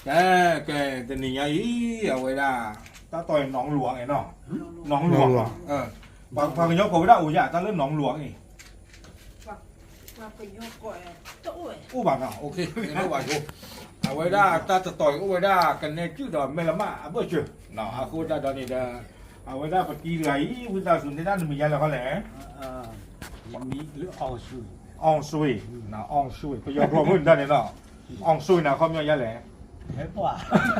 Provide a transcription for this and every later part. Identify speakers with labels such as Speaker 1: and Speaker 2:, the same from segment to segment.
Speaker 1: cái tình nhà ý ở ngoài là ta tỏi nóng luộc ấy nó nóng luộc bằng cái nhóc của đạo dạ ta lên nóng luộc này u bảo nào ok nó bảo cô ở ngoài là ta tỏi ở ngoài là cái này chứ đó mày làm à bữa chưa nó à cô ta đó này là ở ngoài là phải kỳ lấy bây giờ xuống thế đó mình là có lẽ
Speaker 2: มีหรือออสุย
Speaker 1: ong suy nó ong suy bây giờ rồi mình ra này nó ong suy nào không nhau lẽ
Speaker 2: เห็นป่ะ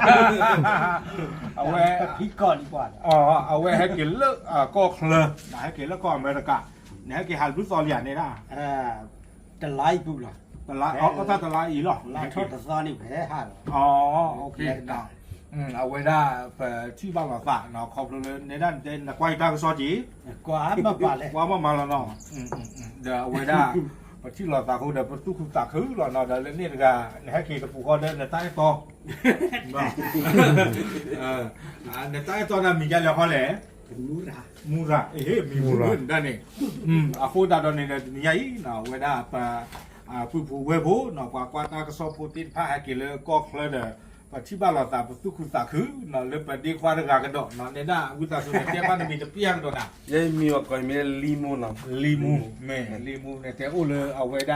Speaker 1: เอาไว้
Speaker 2: พี่ก่อนดีกว่า
Speaker 1: เอาไว้ให้กินเลิกก็เคลนะให้กินแล้วก็อเมริกาเนี่ยให้กินฮัลบุซอลอย่างนี้นะ
Speaker 2: จะไล่ปุ๊บล่ะ
Speaker 1: แต่ละก็ถ้าแต่ละอีหรอ
Speaker 2: ไล่ทอดแต่ซอนี่แพ้ห่า
Speaker 1: อ๋อโอเคนะเอาไว้ได้ที่บ้านมาฝากเนาะขอบเลยในด้านเด่นกวาดตาก็ซอจี
Speaker 2: กว่ามาป่าเลย
Speaker 1: ว่ามาแล้วเนาะเดี๋ยวเอาไว้ได้ที่เราตาเขาเดี๋ยวประตูคุณตาคือเราเนาะเดี๋ยวเล่นนี่กันให้กินกับผู้คนเดินในใต้ตอในใต้ตอนั้นมีอะไรเขาแหละ
Speaker 2: มูรา
Speaker 1: Mura, mi mura. Dani. Aku dah dani ni yai, na weda pa pu webo, na kwa ta ka so putin pa ha ke le ko khle de. Pa thi ba la ta tu khu ta khu, na le pa di kwa ga ga do, na ne na u ta so ne te pa ni te piang do na.
Speaker 3: ยังมีว่าก่อนมีลีมูนะ
Speaker 1: Limu ne te o le a weda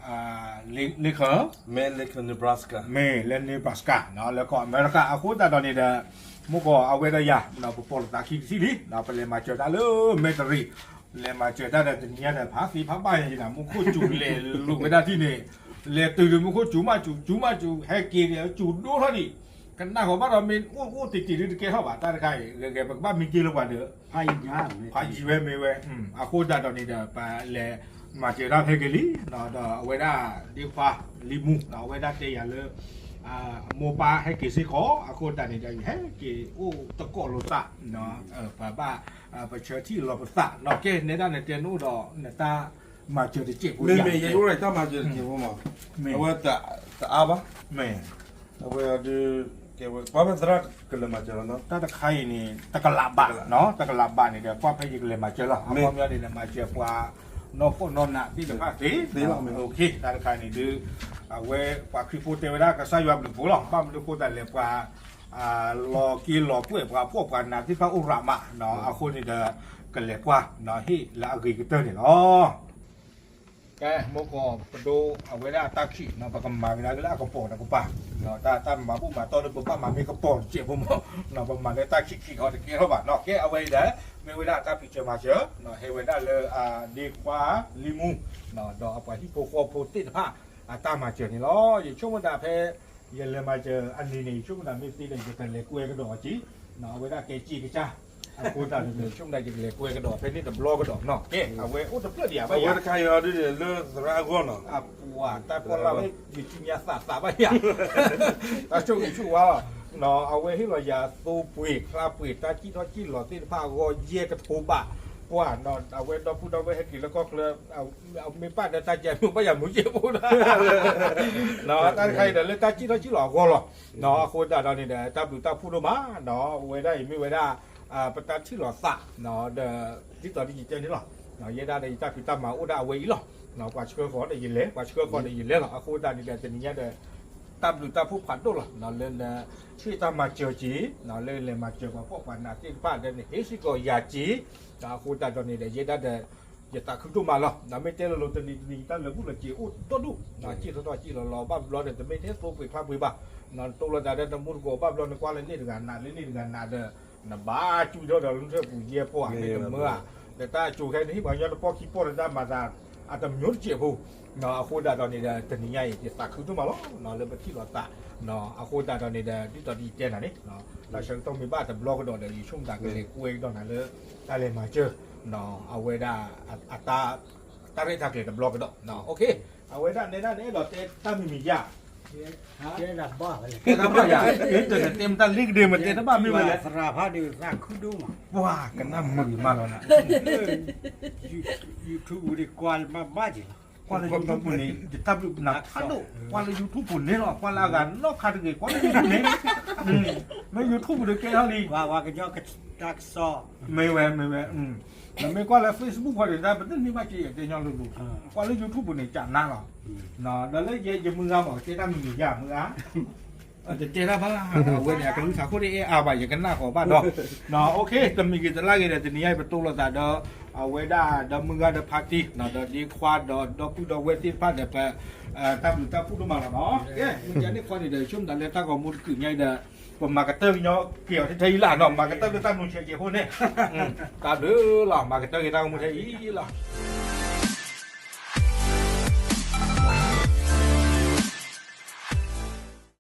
Speaker 1: le kha
Speaker 3: แม่เล็กในบราสกา
Speaker 1: me le ne paska, na le ko America aku ta dani deมุกเอาไว้ได้ยาเราไปปลดตาขี้สิลิเราไปเลยมาเจอได้เลยเมตรีเลยมาเจอได้แต่เนี่ยแต่พักสีพักไปอย่างนี้นะมุกจูเลยลูกไม่ได้ที่นี่เลยตื่นมุกจูมาจูให้กินเนี่ยจูดูเท่านี้กันหน้าของบ้านเราเป็นอู้ติดเกี่ยวกับตาใครเลยแกบ้านมีกี่ลูกวันเด้อ
Speaker 2: พายยา
Speaker 1: พายจีเวไม่เว้อาโคดาตอนนี้เด้อไปเลยมาเจอได้ให้กินลิเนาะเอาไว้ได้ดีฟ้าลิมูเอาไว้ได้เตียเลยโมปาให้กี่สิขออาโคตานี่ได้ให้กี่โอ้ตะโกโลซะเนาะป้าบ้าไปเชิญที่รอปสะเนาะเกในด้านในเตียนูดอกเนี่ยตามาเจอที่เจ็บ
Speaker 3: ไม่ไม่ยังอะไรถ้ามาเจอเกี่ยวมาเอาไว้แต่อาบะ
Speaker 1: แม่
Speaker 3: เอาไว้ดูเกี่ยวกับป้าเป็นสระก็เลยมาเจอแล้วเนาะ
Speaker 1: ตาตะไคร่นี่ตะกลาบะเนาะตะกลาบะนี่เดี๋ยวป้าพยิกเลยมาเจอแล้วพ่อแม่นี่มาเจอว่านอกนอนน่ะที่จะมาตีโอเคตาตะไคร่นี่ดื้อเอาไว้ปากขี้พูดเทวดาก็ใส่ยาบุญหรอกป้าไม่ได้พูดแต่เลยว่ารอกินรอเพื่อว่าพวกกันนะที่พระอุรามะเนาะเอาคนนี่เด้อกันเลยว่าเนาะที่ละกีกเตอร์นี่เนาะแกโมกอปดูเอาไว้ได้ตาขี้เนาะปากมาเวลาก็ละกระโปงนะกูป่าเนาะตามาปุ๊บมาตอนนี้ปุ๊บมามีกระโปงเจ็บผมเนาะประมาณได้ตาขี้เขาจะเกี่ยวบ้านเนาะแกเอาไว้ได้ไม่ไว้ได้ตาพิจารณาเจอเนาะให้ไว้ได้เลยดีกว่าลิมูเนาะดอกเอาไปที่โคติดผ้าตามมาเจอนี่ล้ออยู่ช่วงวันดาเพยันเลยมาเจออันนี้นี่ช่วงวันดาไม่ตีเลยจะเป็นเล็กกล้วยกระดอกจีเนาะเอาไว้ได้เกจีกจ้าพูดตามเลยช่วงใดจะเล็กกล้วยกระดอกเพนี่แต่บล็อกกระดอกเนาะเก๋เอาไว้โอ้แต่เพื่อเดียวไป
Speaker 3: เอาไว้
Speaker 1: ยัง
Speaker 3: ใครเอาดิเลิกสระก้อนเนาะ
Speaker 1: ปัวแต่พอเราไม่มีจิยาศาสตร์ไปยังแต่ช่วงนี้ช่วงว่าเนาะเอาไว้ให้เราอย่าตูปุยคลาปุยตาจี้ทอจี้หล่อตีผ้าก็เย่กระทูบะว่าเนาะเอาไว้เราพูดเอาไว้ให้กินแล้วก็เลยเอาไม่ป้าแต่ตาใจมึงไม่อยากมึงเจ็บพูดเนาะตาใครเดี๋ยวเลยตาจี้ทอจี้หล่อก็หรอเนาะคนแต่ตอนนี้เดี๋ยวตาดูตาพูดมาเนาะไว้ได้ไม่ไว้ได้ประตาที่หล่อสะเนาะเดี๋ยวที่ตอนนี้เจอนี่หรอเนาะเย่ได้ในตาพิตามาอุดาไว้หรอเนาะกว่าเชื่อขอได้ยินเลยกว่าเชื่อขอได้ยินเลยหรอคนแต่นี่เดี๋ยวจะนี้เดี๋ยวตามดูตาผู้ผ่านตัวหรอเนาะเล่นชื่อตามาเจอจีเนาะเล่นมาเจอกับพวกวันนาที่ป้าเดินเฮสิโกยาจีตาคูตาตอนนี้เดี๋ยวเยด้าเดี๋ยวตาขึ้นตัวมาหรอเนาะไม่เจอเราตอนนี้ตาเราพูดเราจีอู้ตัวดูเนาะจีตัวจีเราบ้าเราเดี๋ยวไม่เทสตัวไปพาไปบ้าเนาะตัวเราจะได้ตะมุนโกบ้าเราในกว่าเล่นนี่กันนาเล่นนี่กันนาเด้อนะบ้าจูเดียวเราเรื่องผู้เยี่ยพวกนี้เมื่อแต่ตาจูแค่นี้บางอย่างเราพอคิดพอเราได้มาได้อาจจะมียุ่งเจ็บผู้เนาะคูตาตอนนี้เดี๋ยวตอนนี้ใหญ่จะตาขึ้นตัวมาหรอเนาะเรื่องที่เราตาเนาะคูตาตอนนี้เดี๋ยวที่ตอนนี้เจนอะไรเนาะเราฉันต้องมีบ้านแต่บล็อกก็โดนเดี๋ยวช่วงต่างกันเลยคุยตอนนั้นเลยได้เลยมาเจอเนาะเอาไว้ได้อัตราได้ทางเกิดแต่บล็อกก็โดนเนาะโอเคเอาไว้ได้ในด้านนี้เราเต้ตั้งมียา
Speaker 2: เจ๊ดับบ้าเลย
Speaker 1: เต้ตั้งยาเต็มตั้งลิกเดียวมันเต้ตั้งบ้าไม่ไหว
Speaker 2: สระพัดดีสร้างขึ้นดูมา
Speaker 1: ว้ากันน้ำมือมาแล้วนะ
Speaker 2: ยูทูบดีกว่ามาบ้าจี
Speaker 1: Qual è il YouTube ne? Tapi nak ado. Qual è YouTube ne lo? Qual agan lo kata ke? Qual è YouTube ne? Mai YouTube de ke hali.
Speaker 2: ว่ากันยอกตักซอ
Speaker 1: Mai we. Mai qual è Facebook qual è? Tapi ni macam ye de nyong lu. Qual è YouTube ne? Cak na lo. Nah, dah le ye mưa mà cái ta mình ya mưa á. จะเจอแล้วพะล่ะเว้ยเนี่ยก็รู้สาวคนนี้เอาไปอย่างกันหน้าของบ้านเนาะเนาะโอเคจะมีกิจลากันเดี๋ยวจะนี้ให้ประตูเราแต่เดอเอาไว้ได้เดอมือกันเดอพาร์ตี้เนาะเดอดีควาดเดอพูดเดอเวทีพาเดอไปตามพูดมาแล้วเนาะเอ๊ะมึงจะนี่ควาดเดี๋ยวช่วงนั้นเลยถ้าก็มุดขึ้นไงเด้อผมมากระเตอร์เนาะเกี่ยวที่ไทยล่ะเนาะมากระเตอร์ตามนุ่งเชียร์เกี่ยวคนเนี่ยตามเด้อล่ะมากระเตอร์ตามนุ่งเชียร์อีล่ะ